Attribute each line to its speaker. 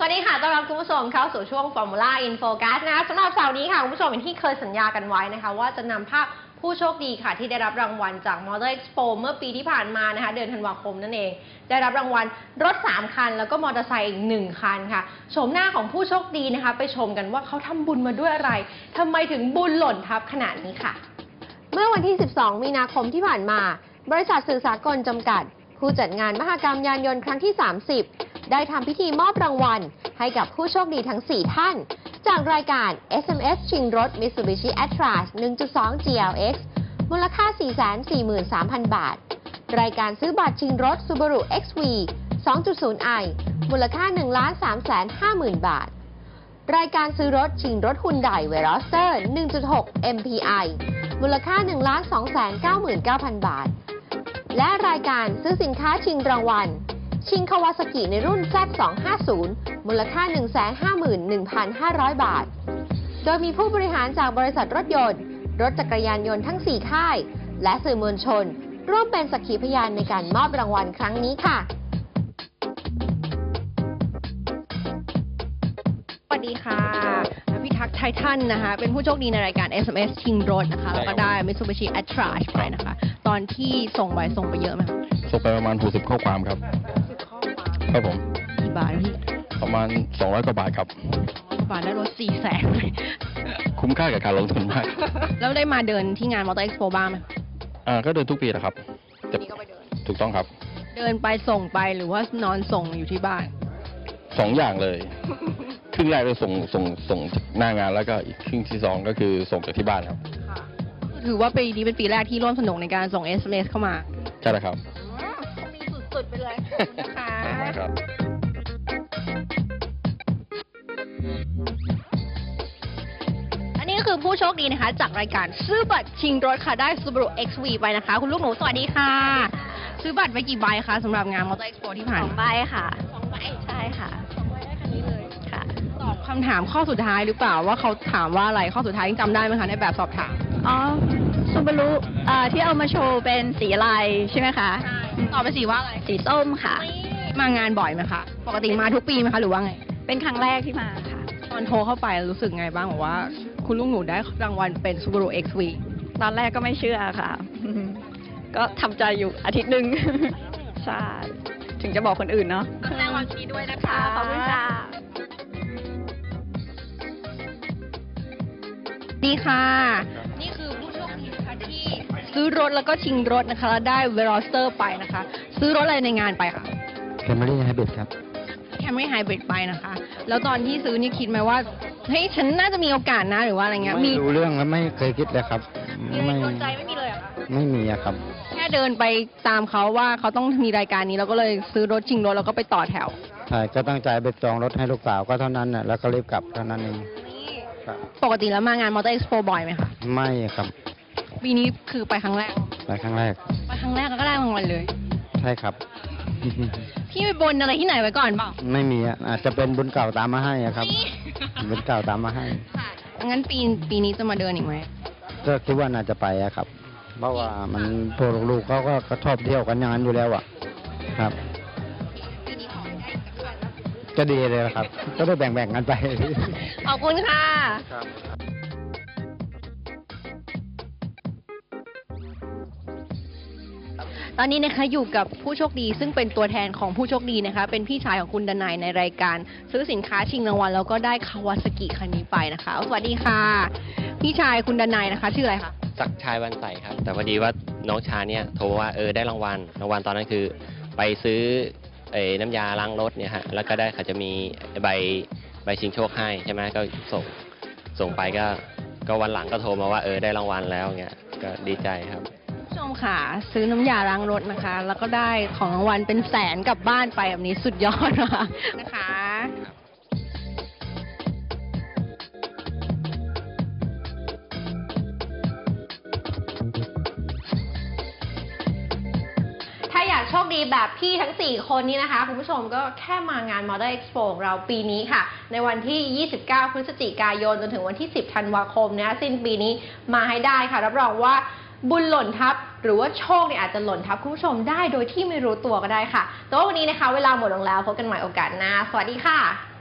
Speaker 1: วัสดีค่ะต้อนรับคุณผู้ชมเข้าสู่ช่วง Formula in Focus นะคะสำหรับเสาร์นี้ค่ะคุณผู้ชมอย่างที่เคยสัญญากันไว้นะคะว่าจะนำภาพผู้โชคดีค่ะที่ได้รับรางวัลจาก Motor Expo เมื่อปีที่ผ่านมานะคะเดือนธันวาคมนั่นเองได้รับรางวัลรถ3คันแล้วก็มอเตอร์ไซค์อีก1คันค่ะโฉมหน้าของผู้โชคดีนะคะไปชมกันว่าเขาทำบุญมาด้วยอะไรทำไมถึงบุญหล่นทับขนาดนี้ค่ะเมื่อวันที่ 12 มีนาคมที่ผ่านมาบริษัทสื่อสากลจำกัดผู้จัดงานมหกรรมยานยนต์ครั้งที่ 30 ได้ทำพิธีมอบรางวัลให้กับผู้โชคดีทั้ง 4 ท่าน จากรายการ SMS ชิงรถ Mitsubishi Atlas 1.2 GLX มูลค่า 443,000 บาท รายการซื้อบัตรชิงรถ Subaru XV 2.0i มูลค่า 1,350,000 บาท รายการซื้อรถชิงรถ Hyundai Veloster 1.6 MPI มูลค่า 1,299,000 บาท และรายการซื้อสินค้าชิงรางวัลชิงคาวาซากิในรุ่น Z250 มูลค่า 151,500 บาท โดยมีผู้บริหารจากบริษัทรถยนต์รถจักรยานยนต์ทั้ง 4 ค่าย และสื่อมวลชน ร่วมเป็นสักขีพยานในการมอบรางวัลครั้งนี้ค่ะสวัสดีค่ะพี่ทักษ์ไททันนะคะเป็นผู้โชคดีในรายการ SMS ชิงรถนะคะแล้วก็ได้ Mitsubishi Atlas ไปนะคะตอนที่ส่งไปเยอะไหมคะ
Speaker 2: ส่งไปประมาณ60ข้อความครับครับผม
Speaker 1: กี่บาทพี่
Speaker 2: ประมาณ200 กว่าบาทครับ
Speaker 1: บาทได้รถ400,000
Speaker 2: คุ้มค่ากับการลงทุนมาก
Speaker 1: แล้วได้มาเดินที่งาน Motor Expo บ้างไหม
Speaker 2: ก็เดินทุกปีนะครับ
Speaker 1: นี่ก็ไปเดิน
Speaker 2: ถูกต้องครับ
Speaker 1: เดินไปส่งไปหรือว่านอนส่งอยู่ที่บ้าน
Speaker 2: 2 อย่างเลยครึ่งแรกเลยส่งหน้างานแล้วก็อีกครึ่งที่2ก็คือส่งจากที่บ้านครับ
Speaker 1: ถือว่าปีนี้เป็นปีแรกที่ร่วมสนุกในการส่ง SMS เข้ามา
Speaker 2: ใช่แล้วครับ
Speaker 1: มีสุดๆไปเลยนะคะ
Speaker 2: ครับ
Speaker 1: อันนี้ก็คือผู้โชคดีนะคะจากรายการซื้อบัตรชิงรถค่ะได้ Subaru XV ไปนะคะคุณลูกหนูสวัสดีค่ะซื้อบัตรไปกี่ใบคะสำหรับงาน Motor Expo ที่ผ่าน
Speaker 3: 2 ใบค่ะ
Speaker 1: 2 ใบ
Speaker 3: ใช่ค่ะ
Speaker 1: 2 ใบได้คันนี้เลย
Speaker 3: ค่ะ
Speaker 1: ตอบคำถามข้อสุดท้ายหรือเปล่าว่าเขาถามว่าอะไรข้อสุดท้ายยังจำได้ไหมคะในแบบสอบถาม
Speaker 3: ซูบารุที่เอามาโชว์เป็นสีอะไรใช่ไหมคะ
Speaker 1: ใช่ตอบเป็นสีว่าอะไร
Speaker 3: สีส้มค่ะ
Speaker 1: มางานบ่อยไหมคะปกติมาทุกปีไหมคะหรือว่าไง
Speaker 3: เป็นครั้งแรกที่มาค่ะ
Speaker 1: ตอนโทรเข้าไปรู้สึกไงบ้างบอกว่าคุณลูกหนูได้รางวัลเป็น Subaru XV
Speaker 3: ตอนแรกก็ไม่เชื่อค่ะ ก็ทำใจอยู่อาทิตย์หนึ่งใช่ถึงจะบอกคนอื่นเนาะ
Speaker 1: แสดงความยินดีด้วยนะคะ
Speaker 3: ขอบคุณค่ะ
Speaker 1: ดีค่ะนี่คือผู้โชคดีนะคะที่ซื้อรถแล้วก็ชิงรถนะคะแล้วได้ Veloster ไปนะคะซื้อรถอะไรในงานไปคะ
Speaker 2: Camry Hybrid ครับ
Speaker 1: Camry Hybrid ไปนะคะแล้วตอนที่ซื้อนี่คิดไหมว่าเฮ้ยฉันน่าจะมีโอกาสนะหรือว่าอะไรเงี้ย
Speaker 2: ไม่รู้เรื่องแล้วไม่เคยคิดเลยครับ
Speaker 1: ไม่สนใจไม่มีเลยอะคะ
Speaker 2: ไม่มีอะครับ
Speaker 1: แค่เดินไปตามเขาว่าเขาต้องมีรายการนี้เราก็เลยซื้อรถชิงรถแล้วก็ไปต่อแถว
Speaker 2: ใช่ก็ตั้งใจไปจองรถให้ลูกสาวก็เท่านั้นน่ะแล้วก็รีบกลับเท่านั้นเอง
Speaker 1: ปกติแล้วมางาน Motor Expo บ่อยไหมคะ
Speaker 2: ไม่ครับ
Speaker 1: ปีนี้คือไปครั้งแรก
Speaker 2: ไปครั้งแรก
Speaker 1: แล้วก็ได้รางวัลเลย
Speaker 2: ใช่ครับ
Speaker 1: พี่ไปบนอะไรที่ไหนไว้ก่อนเปล่า
Speaker 2: ไม่มีอ่ะอาจจะเป็นบุญเก่าตามมาให้อะครับบุญเก่าตามมาให้
Speaker 1: งั้นปีนี้จะมาเดินอีกไหม
Speaker 2: ก็คิดว่าน่าจะไปอะครับเพราะว่ามันพวกลูกๆเขาก็ชอบเที่ยวกันอย่างนั้นอยู่แล้วอะครับก็ดีเลยครับ ก็ได้แบ่งกันไป
Speaker 1: ขอบคุณค่ะตอนนี้นะคะอยู่กับผู้โชคดีซึ่งเป็นตัวแทนของผู้โชคดีนะคะเป็นพี่ชายของคุณดนัยในรายการซื้อสินค้าชิงรางวัลแล้วก็ได้คาวาซากิคันนี้ไปนะคะสวัสดีค่ะพี่ชายคุณดนัยนะคะชื่ออะไรคะ
Speaker 4: ศักดิ์ชัยวันใสครับแต่พอดีว่าน้องชายเนี่ยโทรว่าได้รางวัลตอนนั้นคือไปซื้อน้ำยาล้างรถเนี่ยฮะแล้วก็ได้เขาจะมีใบชิงโชคให้ใช่ไหมก็ส่งไปก็วันหลังก็โทรมาว่าได้รางวัลแล้วเงี้ยก็ดีใจครับ
Speaker 1: ผู้ชมค่ะซื้อน้ำยาล้างรถนะคะแล้วก็ได้ของรางวัลเป็นแสนกลับบ้านไปแบบนี้สุดยอดนะคะอยากโชคดีแบบพี่ทั้ง4คนนี้นะคะคุณผู้ชมก็แค่มางาน Motor Expo ของเราปีนี้ค่ะในวันที่ 29 พฤศจิกายนจนถึงวันที่ 10 ธันวาคมนะคะสิ้นปีนี้มาให้ได้ค่ะรับรองว่าบุญหล่นทับหรือว่าโชคเนี่ยอาจจะหล่นทับคุณผู้ชมได้โดยที่ไม่รู้ตัวก็ได้ค่ะแต่ว่าวันนี้นะคะเวลาหมดลงแล้วพบกันใหม่โอกาสหน้าสวัสดีค่ะ